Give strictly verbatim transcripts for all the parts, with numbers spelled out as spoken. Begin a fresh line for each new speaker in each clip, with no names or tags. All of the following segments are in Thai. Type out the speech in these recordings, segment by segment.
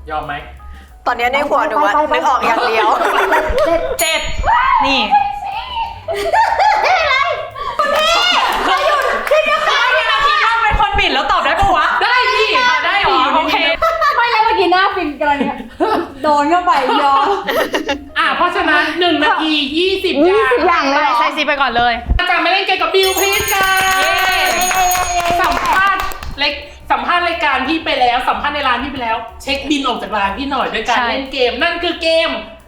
ยอมไหม
ตอนนี้ในหัวหนูอะนึกออกอย่างเดียว
เจ็ดนี่
อะไรคุณพี่เขาหยุดที่จะขาย
พี่นาทีว่าเป็นคนบิดแล้วตอบได้ปะวะ
ได้พี่
ได้หรอโอเค
ไม่แล้วเมื่อกี้หน้าฟินกันเนี่ยโดนเข้าไปยอม
อ่ะเพราะฉะนั้นหนึ่งนาทียี่สิบอย่าง
อย่างเลย
ใส่ซีไปก่อนเลย
อาจารย์ไม่เล่นเกมกับบิวพลีสกันสัมภาษณ์เล็กสัมภาษณ์รายการพี่ไปแล้วสัมภาษณ์ในร้านพี่ไปแล้วเช็คบินออกจากร้านพี่หน่อยด้วยการเล่นเกมนั่นคือเกม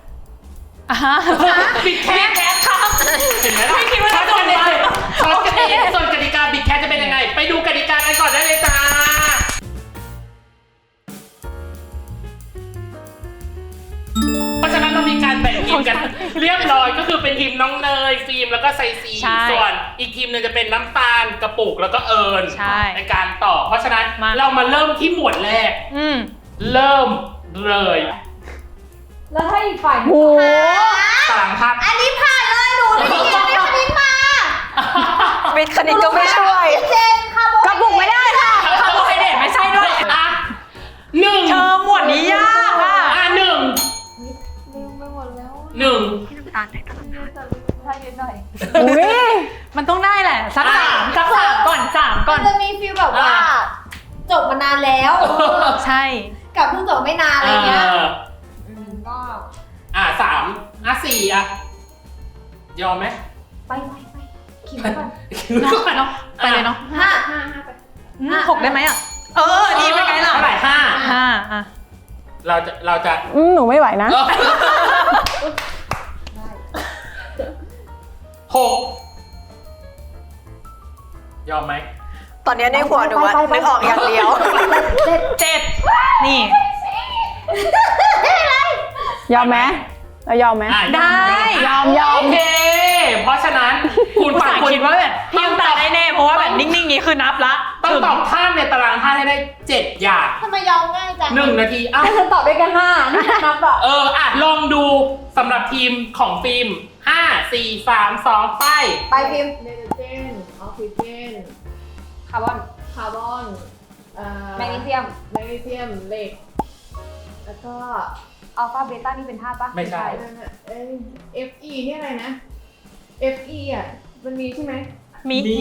บิดแคทครับเห็นไหมล่ะ
ไม่คิดว่าจะโดนเลย
ช็อตกันเองส่วนกติกาบิดแคทจะเป็นยังไงไปดูกติกากันก่อนได้เลยจ้าเพราะฉะนั้นเรามีการแบ่งทีมกันเรียบร้อยก็คือเป็นทีมน้องเนยฟิล์มแล้วก็ไซซีส่วนอีกทีมนึงจะเป็นน้ำตาลกระปุกแล้วก็เอิญในการต่อเพราะฉะนั้นเรามาเริ่มที่หมวดแรกเริ่มเลย
แล้วถ้าอีกฝ่ายโห
ตารางภาพ
อันนี้ผ่านเลยหนูไม่ได้เรียนวิทย์คณิตมาวิทย์คณิตก็ไม่ช่วยเจนค่ะกระปุกไม่ได้ค่ะ
คาร์โบไฮเดรตไม่ใช่ด้วย
อ่ะหนึ่ง
เธอหมวดนี้ยากอ่ะ
อ่ะหนึ่ง
ลืมไปหมดแล้ว
หนึ่ง
ตาลตาลให้นิดหน่อย
อุ้ยมันต้องได้แหละสักสามสักสามก่อนสามก่อน
จะมีฟีลแบบว่าจบมานานแล้ว
ใช่
กับเพิ่งจบไม่นานอะไรเงี้ยก็
อ่ะสามอ่ะสี่อ่ะยอมไหม
ไปไปไปคิดก่อน
เนาะไปเลยเนาะ
ห้าห้าห้าไป
หกได้ไหมอ่ะเออดีไปไงล่ะ
เท่าไหร่ห้า
ห้าอ่ะ
เราจะเราจะ
หนูไม่ไหวนะ
หกยอมไหม
ตอนนี้ในหัวหนูอะนึกออกอย่างเดียว
เจ็ดนี่
ยอมไหมเรายอมไหม
ได้
ยอมยอม
โอเคเพราะฉะนั้นคุณ
ฝ่ายคิดว่าแบบพี่ยังตาได้แน่เพราะว่าแบบนิ่งๆนี้คือนับละ
ต้องตอบท่าในตารางท่าให้ได้เจ็ดอย่าง
ทำไมยอมง่ายจัง
หนึ่งนาทีอ้าว
ฉันตอบได้แค่ห้านับอะ
เอออ่ะลองดูสำหรับทีมของฟิล์มห้าสี่สามสองไป
ไปฟิล์ม
ไนโตรเจนออกซิเจนคาร์บอนคาร์บอน
แมกนีเซียม
แมกนีเซียมเหล็กแล้วก็
อัลฟาเบต้านี่เป็นธาตุปะ
ไม่ใช่
เอฟอีนี่อะไรนะ เอฟ อี อ่ะมันมีใช่ไหม
มีมี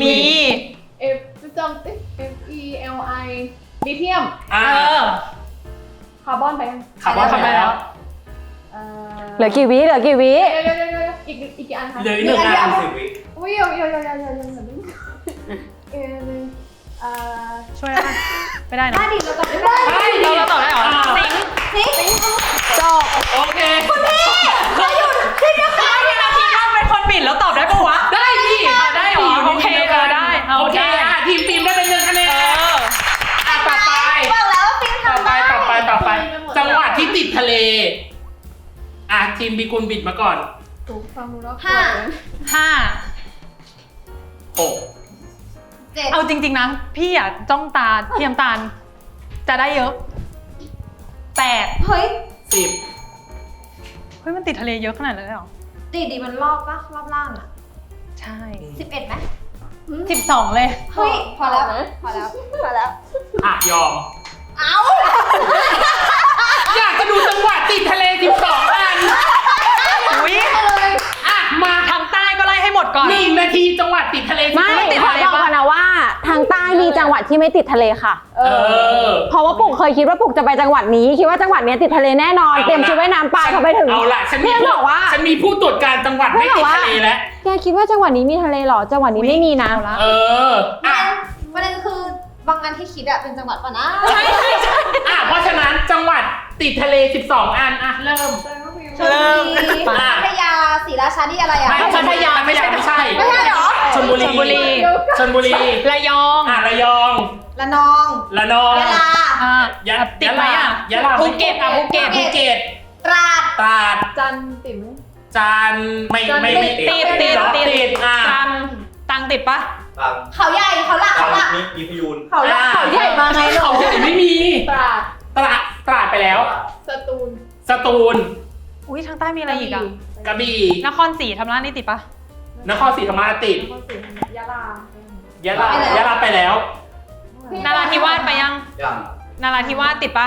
F จำเอ๊ะ F E L I ลิเธียม
เออ
คาร์บอนไปยัง
คาร์บอนไปแล้ว
เหลือกี่วิเหลือกี่วิเดี๋ยวเดี๋ยวเดี๋ยวอีกอีกกี่อันคะ
เหลือหนึ่งอันสิบวิ
อุ้ยเดี๋ยวเดี๋ยวเดี๋ยวเดี๋ยวเดี๋ยวเดี๋ยวเดี๋ยวเออเอ่อ
ช่วยได้ไม่ได้นะ
ได้ดิเราตอบได้
เราเราตอบได้หรอสิง
สิง
จบ
โอเค
คุณพี่เขาหยุดที่จะขาย
พี่นาทีว่าเป็นคนบิดแล้วตอบได้ปะวะ
ได้พี่
ได้หรอโอเคได้
โอเคอ่ะทีมฟิล์มได้เป็นหนึ่งคะแนนอ่ะต่อไป
บอกแล้วฟิล์ม
ต่อไปต่อไปต่อไปจังหวัดที่ติดทะเลอ่ะทีมบีกุลบิดมาก่อน
ถูกฟังดูแล้ว
ห้า
ห้า
หก
เอาจริงๆนะพี่อยากจ้องตาเทียมตาลจะได้เยอะแปด
เฮ้ย
สิบ
เฮ้ยมันติดทะเลเยอะขนาดนั้นเลยหรอ
ติดดิมันรอบปะรอบล่างอ่ะ
ใช่
สิบเอ็ดไหม
สิบสองเลย
เฮ้ยพอแล้วพอแล้วพอแล้ว
อ่ะยอม
เอา
อยากจะดูจังหวัดติดทะเลสิบสองอัน
อุ้ย
อ่ะมา
ทางใต้ก็ไล่ให้หมดก่อน
หนึ่งนาทีจังหวัดติดทะเล
ไม่ติดทะเลบอกนะว่าทางใต้มีจังหวัดที่ไม่ติดทะเลค่ะ
เออ
เพราะว่าปุกเคยคิดว่าปุกจะไปจังหวัดนี้คิดว่าจังหวัดนี้ติดทะเลแน่นอนเตรียมชุดว่ายน้ำไปพอไปถึง
เอาล่ะฉันมีบอกว่าฉันมีผู้ตรวจการจังหวัดไม่ติดทะเลแล้ว
แกคิดว่าจังหวัดนี้มีทะเลหรอจังหวัดนี้ไม่มีนะ
เอออ่ะ
ประเด็นคือบางอันที่คิดอะเป็นจังหวัดป่ะนะ
ใช่ใช่ใช่อ่ะเพราะฉะนั้นจังหวัดติดทะเลสิบสองอันอ่ะเริ่ม
ชลบุรีพัทยาศรีราชานี่อะไรอ่ะ
ไม่พัทยาไม่ใช่ไม่ใช่
ไม่ใช่หรอ
ชลบุรีชลบุรี
ระยอง
อ่ะระยอง
ระนอง
ระนอง
ยะลา
อ่ะ
ยะ
ติดไหมอ่ะ
ยะลา
ภูเก็ตอ่ะภูเก็ต
ภูเก็ต
ตราด
ตราด
จันติดไหม
จันไม่ไม่ไม่
ติดติดติดอ่ะตังตังติดปะ
เขาใหญ่เขาหลักเขาหลัก
มีพยูน
เขาหลักเขาใหญ่มาไง
เขาใหญ่ไม่มี
ตราด
ตราดตราดไปแล้ว
สตูล
สตูล
อุ้ยทางใต้มีอะไรอีกอ่ะ
กระบี่
นครศรีธรรมราชนี่ติดปะ
นครศรีธรรมราชติด
ยะลาย
ะลายะลาไปแล้ว
นาราธิวาสไปยัง
ยัง
นาราธิวาสติดปะ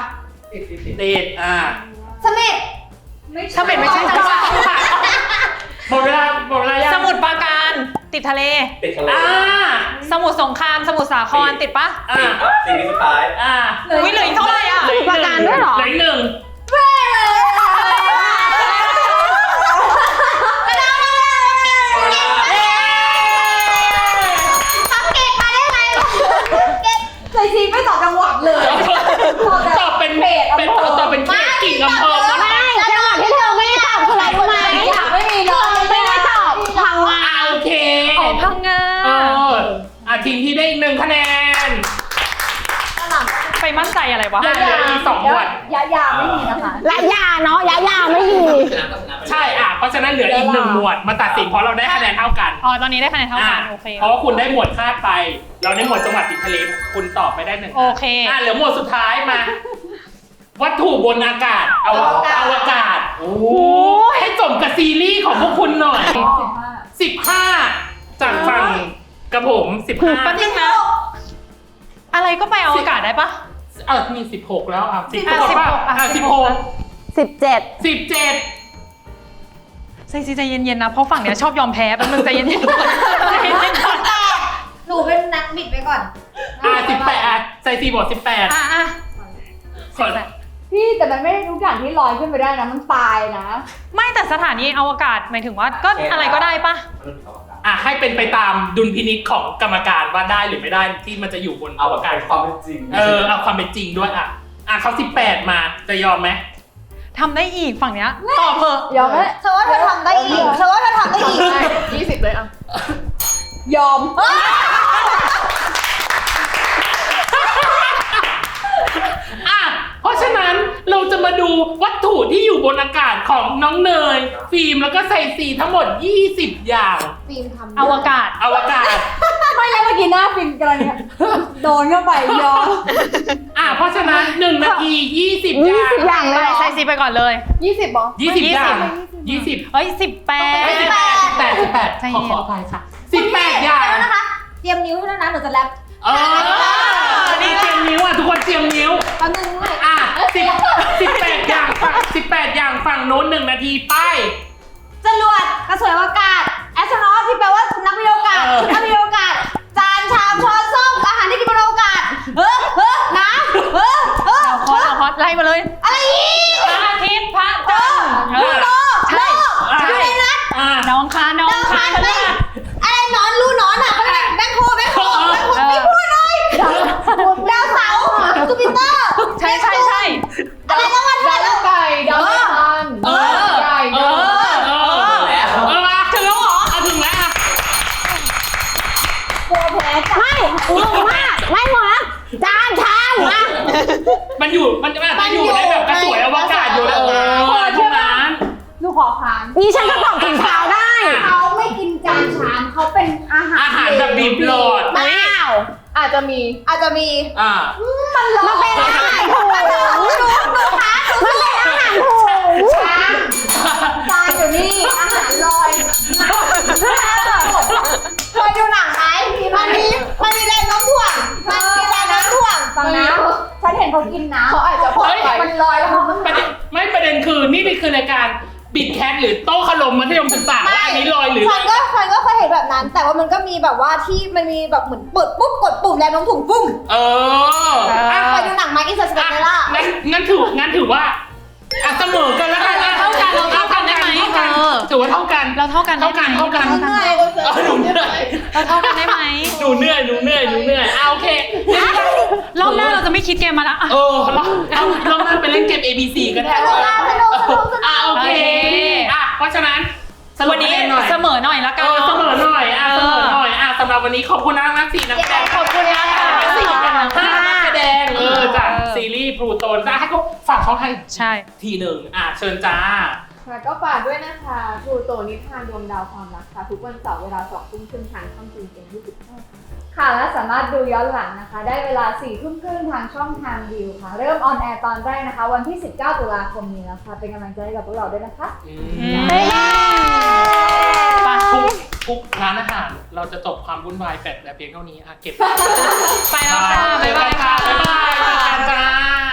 ติดติดติดอ่า
สมิธ
สมิธไม่ใช่จังหวัด
หมดเวลาหมดเวลายัง
สมุทรปราการติดทะเล
ติดทะเล
อ่า
สมุทรสงครามสมุทรสาครติดปะ
อ่า
สิ่งที่สุดท้าย
อ่า
วิเหลืออีกเท่าไหร่อ่ะ
เหลืออีก
ประกันด้วยเหรอ
เหลืออีกหนึ่ง
ทำเกตมาได้ไงเกตเคยซีไม่ตอบจังหวัดเลย
ตอบเป็นเป็นตอบเป็นเขตกิ่งอำเภอมา
ไม่จังหวัดที่เธอไม่ได้ตอบคืออะไรรู้ไหม
ไม่มีเลย
ไม่ได้ตอบพังงา
อ่าโอเค
อ๋อพังงา
เอออ่ะทีมที่ได้อีกหนึ่งคะแนน
ไปมั่นใจอะไรวะ
ยังเหลืออีกสองหมวด
ยายาไม่มีนะคะ
และยาเนาะยายาไม่มี
ใช่อ่ะเพราะฉะนั้นเหลืออีกหนึ่งหมวดมาตัดสินเพราะเราได้คะแนนเท่ากัน
อ๋อตอนนี้ได้คะแนนเท่ากัน
อ่ะ
โอเค
เพราะว่าคุณได้หมวดคาดไป เราได้หมวดจังหวัดติดทะเลคุณตอบไม่ได้หนึ่ง
โอเค
อ่ะเหลือหมวดสุดท้ายมา วัตถุบนอากาศอวกาศอวกาศโอ้โหให้สมกับซีรีส์ของพวกคุณหน่อยสิบห้าจากฝั่งกระผมสิบห้า
แป๊บนึงนะ อะไรก็ไปอวกาศได้ปะ
เออมีสิบหกแล้วอ่ะสิบห
อ่ะ
กป่ะ
อ่ะ
อ่ะสิบหก
สิบเจ็ด
สิบเจ็ด
ใจซีใจเย็นๆนะ เพราะฝั่งเนี้ยชอบยอมแพ้แป๊บนึงใจเย็นๆก่อนใจเย็นๆก่อน
หนูเป็นนักบิดไปก่อน
อ่ะสิบแปดอ่ะใส่สี่บวกสิบแปด
อ่ะอ่ะ
ส่วน
พี่แต่มันไม่ได้ทุกอย่างที่ลอยขึ้นไปได้นะมันตายนะ
ไม่แต่สถานีอวกาศหมายถึงว่าก็อะไรก็ได้ปะ
อ่ะให้เป็นไปตามดุลพินิจของกรรมการว่าได้หรือไม่ได้ที่มันจะอยู่บนอ
เอา
ว
กาก
าศ
รความเป็นจริง
เออเอาความเป็นจริงด้วยอ่ะอ่ะเขาสิบแปดมาจะยอมไหม
ทำได้อีกฝั่งเนี้ยตอบเถอะ
ยอมไหมเธอว่าเธอทำได้อีกเธอว่าเธอทำได้อีก
ยี่สิบเลยอ่ะ
ยอม
อ่ะเพราะฉะนั้นเราจะมาดูวัตถุที่อยู่บนอากาศของน้องเนย ฟิล์มแล้วก็ไซซีทั้งหมดยี่สิบอย่าง
ฟิล์มทำ
อวกาศ
อวกาศ
ไม่แล้วเมื่อกี้หน้าฟิล์มกำลังเนี่ยโดนเข้าไปยอม
อ่ะเพราะฉะนั้นหนึ่งนาทียี่สิบอ
ยี่
ย่าง
สิบอย่างเลยเหรอ
ใส่ซีไปก่อนเลย
ยี่สิบบอก
ยี่สิบอย่างยี่สิบ
เอ้ยสิบแปด
สิบแปดสิบแปดสิบแปด
ใจ
ขอ
เย็น
ขออภัยค่ะสิบแปดอย่าง
แล้วนะคะ เตรียมนิ้วด้วยนะหนูจะแรป
เออนี่เตรียมนิ้วอ่ะทุกคนเตรียมนิ้ว
แป๊บนึงเลย
อ่ะสิบสิบแปดอย่างฝั่งสิบแปดอย่างฝั่งโน้นหนึ่งนาทีไป
จรวดกระสวยอวกาศแอสโทรนอตที่แปลว่านักวิทยาอวกาศ
เออ
นักวิทยาอวกาศจานชามช้อนส้อมอาหารที่กินบนอวกาศเฮ้อเฮ้อน้ำเฮ้อเฮ้อ
เอาคอสเอาคอสไล่มาเลย
อะไรอีก
พระอาทิตย์พระจันทร์เออ
โลก
ใช่
โลก
ใช่
ยูเรนัส
อ่ะ
น้องคานน้อง
ดาว
คา
คาน น
พ
ไป
ฤหัส
อะไรหนอนรูหนอนอ่ะเขาเรียกแบงโคแบงโคแบงโคไม่พูดเลยดาวเสาร์จูปิเตอร์
ใช่ใช่ใช่
อะไรแล้ววันดาวไก่ดาวอัง
เออเออเออเออมาถึงแล้วเหรอเอาถึงแล้วอ่ะ
กลัวแพ้จ้ะ
ไม่งงมากไม่หมดนะจานชามอ่ะ
มันอยู่มันจะมันอยู่ในแบบกระสวยอวกาศอยู่แล้วเออทุกนั้น
หนูขอค้าน
นี่ฉันก็ตอบถุงเท้าได้
เขาไม่กินจานชามเขาเป็นอาหาร
อาหารแบบบีบหลอด
อ้าว
อาจจะมีอาจจะมี
อ่า
มันร้อน
มันเป็นอาหารถุง
มันร้อนหนูหนูค้านหนู
มันเป็นอาหารถุง
จานจานอยู่นี่อาหารลอยเคยดูหนังไหมมันมีมันมีแรงโน้มถ่วงมันมีแรงโน้มถ่วงฟังนะฉันเห็นเขากินน้ำเขาอาจจะพอมันลอยแล้วมัน
ประเด็นไม่ประเด็นคือนี่นี่คือรายการบิดแคทหรือโต๊ะขลมมัธยมศึกษาว่าอันนี้ลอยหรือ
ฉันก็ฉันก็เคยเห็นแบบนั้น แต่ว่ามันก็มีแบบว่าที่มันมีแบบเหมือนเปิดปุ๊บกดปุ่มแรงโน้มถ่วงปุ้ม
เอออ่ะ
เคยดูหนังไหมอินเตอร์สเปนเดล่า
งั้นงั้นถืองั้นถือว่าอ่ะเสมอกันแล้วกันอ่ะ
เท่ากันเราเท่ากันได้ไหม
เท่ากัน
เออ
ถือว่าเท่ากัน
เราเท่ากันได้
เท่า
ไหม
กันเท่ากัน
เหนื่อย
เออหนูเหนื่อย
เราเท่ากันได้ไหม
หนูเหนื่อยหนูเหนื่อยหนูเหนื่อยอ่ะโอเค
รอบหน้าเราจะไม่คิดเกมมาละอ่ะ
เออเราเอาเรามาไปเล่นเกม A B C กันแทน
สนุกมากสนุกสนุกสนุก
อ่ะโอเคอ่ะเพราะฉะนั้นสรุป
วันนี้
คะแหน่อย
เสมอหน่อยละ
เอ
กัน
อเสมอ
เนาะ
หน่อยอ่ะเสมอหน่อยอ่ะสำหรับวันนี้ขอบคุณนะนักสี่นักแสดง
ขอบคุณมากค่ะ
นักสี่กันห้านักแสดงเออจากซีรีส์พลูโตนจะให้เขาฝากช่องทาง
ใช่
ทีหนึ่งอ่ะเชิญจ้า
ค่ะก็ฝากด้วยนะคะพลูโตนิทานดวงดาวความรักค่ะทุกวันเสาร์เวลาสองทุ่มครึ่งทางช่องจีนเอ็มยี่สิบห้าค่ะและสามารถดูย้อนหลังนะคะ ได้เวลาสี่ทุ่มครึ่งทางช่องทางวิวค่ะ เริ่มออนแอร์ตอนแรกนะคะ วันที่สิบเก้าตุลาคมนี้แล้วค่ะเป็นกำลังใจให้กับพวกเราด้วยนะคะ
อื
อื
ม
มไป
ทุกทุกร้านอาหารเราจะจบความวุ่นวายแต่แต่เพียงเท่านี้อ่ะเก็บ
ไปแล้วค่ะ บ๊ายบายค่ะ
บ๊ายบายเจอกันจ้า